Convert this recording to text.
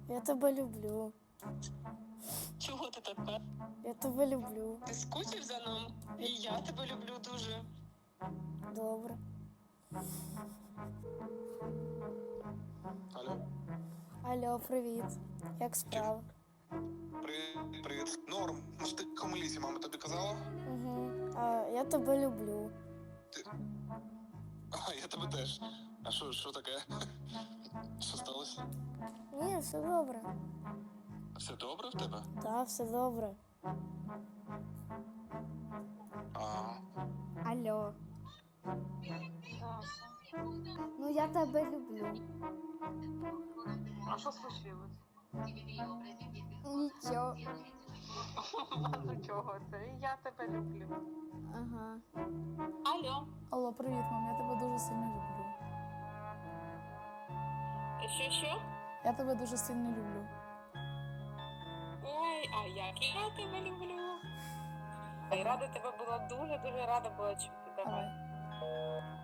Я тебе люблю. Чого ти тепер? Я тебе люблю. Ти скучив за ним? І я тебе люблю дуже. Добре. Алло. Алло, привіт. Як справа? Привіт, привіт. Норм. Ну ж ти в комелісі, мама тобі казала? Угу. А я тебе люблю. А, я тебе теж. А що таке? Що сталося? Ні, все добре. Все добре в тебе? Так, все добре. А, Алло. Ну я тебе люблю. А що случилось? Нічого. Ну чого це? Я тебе люблю. Ага. Алло. Алло, привіт, мам, я тебе дуже сильно люблю. Що? Я тебе дуже сильно люблю. Ой, а як я тебе люблю. Рада тебе була, дуже рада була чути. Давай. Давай.